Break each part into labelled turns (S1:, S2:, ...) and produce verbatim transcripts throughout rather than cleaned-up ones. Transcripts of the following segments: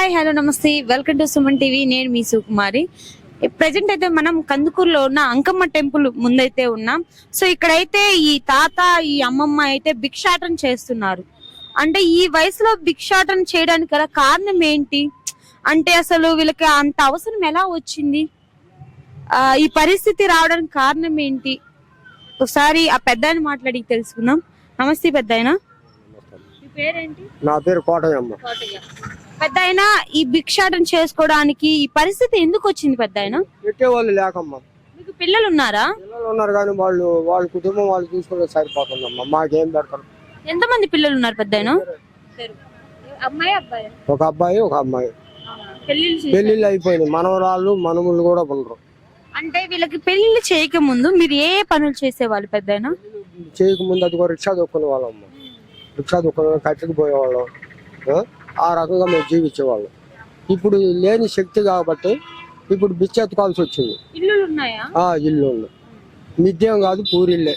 S1: Hi hello namaste welcome to Suman TV. నేను మీ సుకుమారి. Present అయితే మనం కందుకూరులో ఉన్న అంకమ్మ టెంపుల్ ముందైతే ఉన్నాం. సో ఇక్కడైతే ఈ తాత ఈ అమ్మమ్మ అయితే భిక్షాటన చేస్తున్నారు. అంటే ఈ వయసులో భిక్షాటన చేయడానికి గల కారణం ఏంటి అంటే అసలు వీళ్ళకి అంత అవసరం ఎలా వచ్చింది, ఆ ఈ పరిస్థితి రావడానికి కారణం ఏంటి, ఒకసారి ఆ పెద్దాయన మాట్లాడి తెలుసుకుందాం. నమస్తే పెద్దాయన, మీ పేరేంటి?
S2: నా పేరు కోటయ్యమ్మ.
S1: పెద్దాయన, ఈ భిక్షాటన చేసుకోవడానికి ఈ పరిస్థితి ఎందుకు వచ్చింది పెద్దాయన?
S2: పెట్టేవాళ్ళు లేకమ్మా.
S1: మీకు పిల్లలు ఉన్నారా?
S2: పిల్లలు ఉన్నారు కానీ వాళ్ళు వాళ్ళ కుటుంబం వాళ్ళు చూసుకుంటే సరిపోతుందమ్మా, మాకేం పెడతారు.
S1: ఎంతమంది పిల్లలు ఉన్నారు పెద్దాయన? అమ్మాయి అబ్బాయి?
S2: ఒక అబ్బాయి ఒక అమ్మాయి.
S1: పెళ్లిళ్ళు
S2: పెళ్లిళ్ళు అయిపోయినాయి, మనవరాళ్ళు మనముళ్ళు కూడా ఉండరు.
S1: అంటే వీళ్ళకి పెళ్లిళ్ళు చేయక ముందు మీరు ఏ పనులు చేసేవాళ్ళు పెద్దాయన?
S2: చేయక ముందు అది కూడా రిక్షా దొక్కునే వాళ్ళమ్మ. రిక్షా దొక్కునే కట్టెకి పోయేవాళ్ళం, ఆ రకంగా మేము జీవించేవాళ్ళం. ఇప్పుడు లేని శక్తి కాబట్టి ఇప్పుడు బిచ్చెత్తుకోవాల్సి వచ్చింది.
S1: ఇల్లు ఉన్నాయా?
S2: ఆ ఇల్లు ఉన్నాయి, మిద్యం కాదు పూరిల్లే.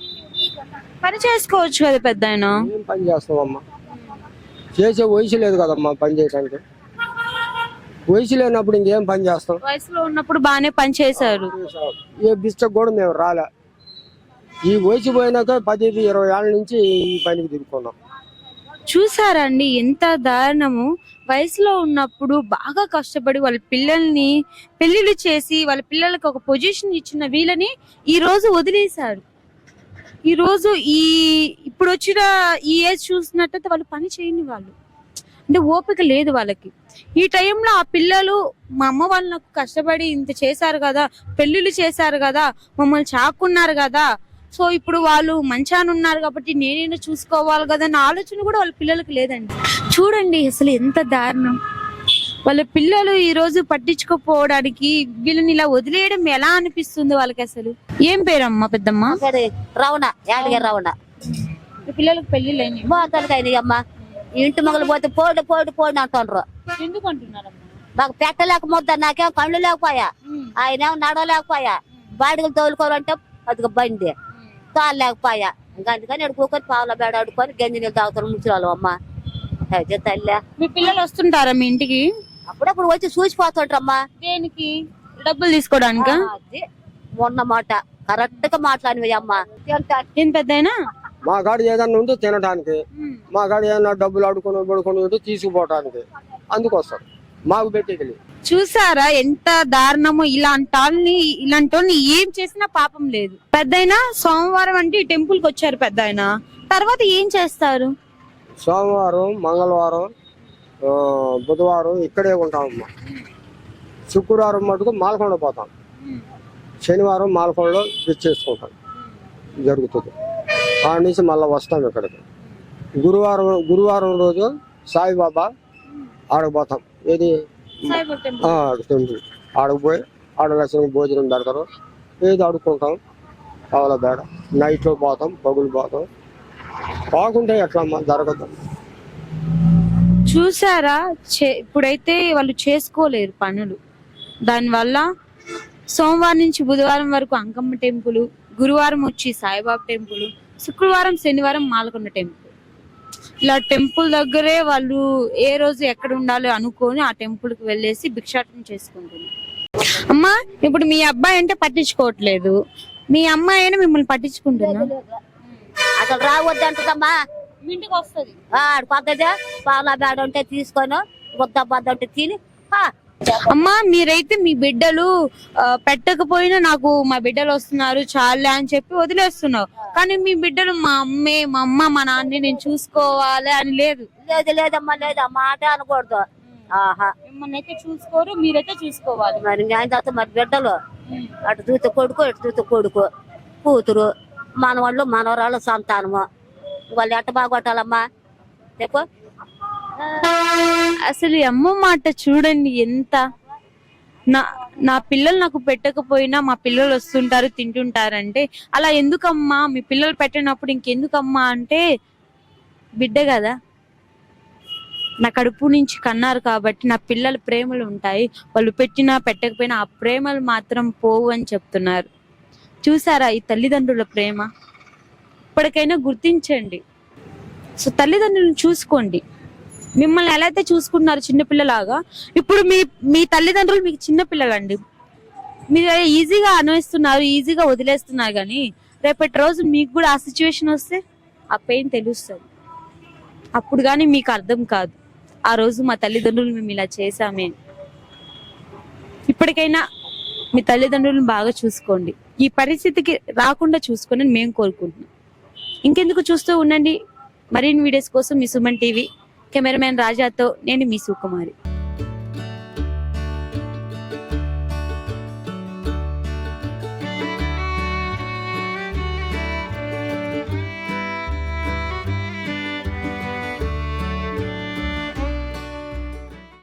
S1: పని చేసుకోవచ్చు కదా పెద్దాయన?
S2: ఏం పని చేస్తామమ్మా, చేసే వయసు లేదు కదమ్మా పని చేయడానికి. వయసు లేనప్పుడు ఇంకేం పని చేస్తాం?
S1: వయసులో ఉన్నప్పుడు బాగానే పని చేశారు.
S2: ఏ బిస్టక్ కూడా మేము రాలే. ఈ వయసు పోయినాక పది ఇరవై ఏళ్ళ నుంచి ఈ పనికి తిరుగుకున్నాం.
S1: చూసారండి ఎంత దారుణము. వయసులో ఉన్నప్పుడు బాగా కష్టపడి వాళ్ళ పిల్లల్ని పెళ్లిళ్ళు చేసి వాళ్ళ పిల్లలకు ఒక పొజిషన్ ఇచ్చిన వీళ్ళని ఈ రోజు వదిలేశారు. ఈ రోజు ఈ ఇప్పుడు వచ్చిన ఈ ఏజ్ చూసినట్టయితే వాళ్ళు పని చేయని వాళ్ళు, అంటే ఓపిక లేదు వాళ్ళకి. ఈ టైంలో ఆ పిల్లలు మా అమ్మ వాళ్ళు నాకు కష్టపడి ఇంత చేశారు కదా, పెళ్లిళ్ళు చేశారు కదా, మమ్మల్ని చాకున్నారు కదా, సో ఇప్పుడు వాళ్ళు మంచాన ఉన్నారు కాబట్టి నేనైనా చూసుకోవాలి కదా అన్న ఆలోచన కూడా వాళ్ళ పిల్లలకి లేదండి. చూడండి అసలు ఎంత దారుణం. వాళ్ళ పిల్లలు ఈ రోజు పట్టించుకోపోవడానికి వీళ్ళని ఇలా వదిలేయడం ఎలా అనిపిస్తుంది వాళ్ళకి అసలు? ఏం పేరమ్మా పెద్దమ్మ?
S3: రవణ యాదగిరి రవణ.
S1: పిల్లలకు పెళ్లిళ్ళు అయినాయి
S3: అమ్మా. ఇంటి మొగలు పోతే పోడు పోడు పోడు అంటుండ్రు.
S1: ఎందుకు అంటున్నారమ్మా?
S3: మాకు పెట్టలేకపోద్దా, నాకేం కళ్ళు లేకపోయా, ఆయన నడవలేకపోయా, బాడిగలు తోలుకోవాలంటే అది బండి తోలలేకపోయా. ఇంకా అందుకని అడుకోకొని పావుల బేడ అడుకొని గంజి నీళ్ళు తాగుతారు ముసలాలు. అమ్మ తల్లి.
S1: మీ పిల్లలు వస్తుంటారా మీ ఇంటికి?
S3: అప్పుడప్పుడు వచ్చి చూసిపోతుంటారమ్మా.
S1: దేనికి? డబ్బులు తీసుకోవడానికి?
S3: మొన్న మాట కరెక్ట్ గా మాట్లాడినవి అమ్మా.
S1: ఏం పెద్దయినా
S2: మా కాడ ఏదన్నా ఉంటే తినడానికి, మా కాడ ఏదన్నా డబ్బులు అడుకొని పడుకొని ఉంటే తీసుకుపోవటానికి, అందుకొస్తారు. మాకు పెట్టేది.
S1: చూసారా ఎంత దారుణమో. ఇలాంటి వాళ్ళని ఇలాంటి వాళ్ళని ఏం చేసినా పాపం లేదు. పెద్దయినా సోమవారం అంటే ఈ టెంపుల్ కి వచ్చారు పెద్దయిన, తర్వాత ఏం చేస్తారు?
S2: సోమవారం మంగళవారం బుధవారం ఇక్కడే ఉంటామమ్మా. శుక్రవారం మటుకు మాలకొండ పోతాం, శనివారం మాలకొండలో చేసుకుంటాం జరుగుతుంది. ఆ నుంచి మళ్ళీ వస్తాం ఇక్కడికి. గురువారం గురువారం రోజు సాయిబాబా ఆడకపోతాం. ఏది టెంపుల్ ఆడకపోయి ఆడ లక్ష్యం భోజనం పెడతారు, ఏది ఆడుకుంటాం. కావాల బేడ నైట్లో పోతాం, పగులు పోతాం. పోకుంటే ఎట్లమ్మా జరగదు.
S1: చూసారా ఇప్పుడైతే వాళ్ళు చేసుకోలేరు పనులు. దానివల్ల సోమవారం నుంచి బుధవారం వరకు అంకమ్మ టెంపుల్, గురువారం వచ్చి సాయిబాబా టెంపుల్, శుక్రవారం శనివారం మాలకొండ టెంపుల్. ఇలా టెంపుల్ దగ్గరే వాళ్ళు ఏ రోజు ఎక్కడ ఉండాలో అనుకొని ఆ టెంపుల్ కి వెళ్ళేసి భిక్షాటన చేసుకుంటున్నారు. అమ్మా ఇప్పుడు మీ అబ్బాయి అంటే పట్టించుకోవట్లేదు, మీ అమ్మాయి అయినా మిమ్మల్ని పట్టించుకుంటున్నా?
S3: అసలు రావద్దంటదమ్మా.
S1: ఇంటికి వస్తుంది
S3: ఆడు కొత్తదే పాల బేడ ఉంటే తీసుకొని బుద్ద బద్ద ఉంటే తిని.
S1: అమ్మా మీరైతే మీ బిడ్డలు పెట్టకపోయినా నాకు మా బిడ్డలు వస్తున్నారు చాలే అని చెప్పి వదిలేస్తున్నావు, కానీ మీ బిడ్డలు మా అమ్మే మా అమ్మ మా నాన్నే నేను చూసుకోవాలి అని లేదు.
S3: లేదు లేదమ్మా, లేదు మాట అనకూడదు. ఆహా
S1: మిమ్మల్ని అయితే చూసుకోరు, మీరైతే చూసుకోవాలి.
S3: మరి ఆయన తర్వాత మరి బిడ్డలు అటు చూస్తే కొడుకు ఇటు చూస్తే కొడుకు కూతురు మనవాళ్ళు మనవరాళ్ళు సంతానము, వాళ్ళు ఎట్ట బాగొట్టాలమ్మా చెప్పు.
S1: అసలు అమ్మ మాట చూడండి ఎంత. నా నా పిల్లలు నాకు పెట్టకపోయినా మా పిల్లలు వస్తుంటారు తింటుంటారంటే అలా ఎందుకమ్మా? మీ పిల్లలు పెట్టినప్పుడు ఇంకెందుకమ్మా అంటే బిడ్డ కదా, నా కడుపు నుంచి కన్నారు కాబట్టి నా పిల్లల ప్రేమలు ఉంటాయి, వాళ్ళు పెట్టినా పెట్టకపోయినా ఆ ప్రేమలు మాత్రం పోవు అని చెప్తున్నారు. చూసారా ఈ తల్లిదండ్రుల ప్రేమ? ఇప్పటికైనా గుర్తించండి. సో తల్లిదండ్రులను చూసుకోండి. మిమ్మల్ని ఎలా అయితే చూసుకున్నారు చిన్నపిల్లలాగా, ఇప్పుడు మీ మీ తల్లిదండ్రులు మీకు చిన్నపిల్లలండి. మీరు ఈజీగా అనుభవిస్తున్నారు, ఈజీగా వదిలేస్తున్నారు, కానీ రేపటి రోజు మీకు కూడా ఆ సిచ్యువేషన్ వస్తే ఆ పెయిన్ తెలుస్తుంది. అప్పుడు కానీ మీకు అర్థం కాదు, ఆ రోజు మా తల్లిదండ్రులు మేము ఇలా చేశామే. ఇప్పటికైనా మీ తల్లిదండ్రులను బాగా చూసుకోండి, ఈ పరిస్థితికి రాకుండా చూసుకొని మేము కోరుకుంటున్నాం. ఇంకెందుకు, చూస్తూ ఉండండి మరిన్ని వీడియోస్ కోసం మీ సుమన్ టీవీ. కెమెరామెన్ రాజాతో నేను మీ సుకుమారి.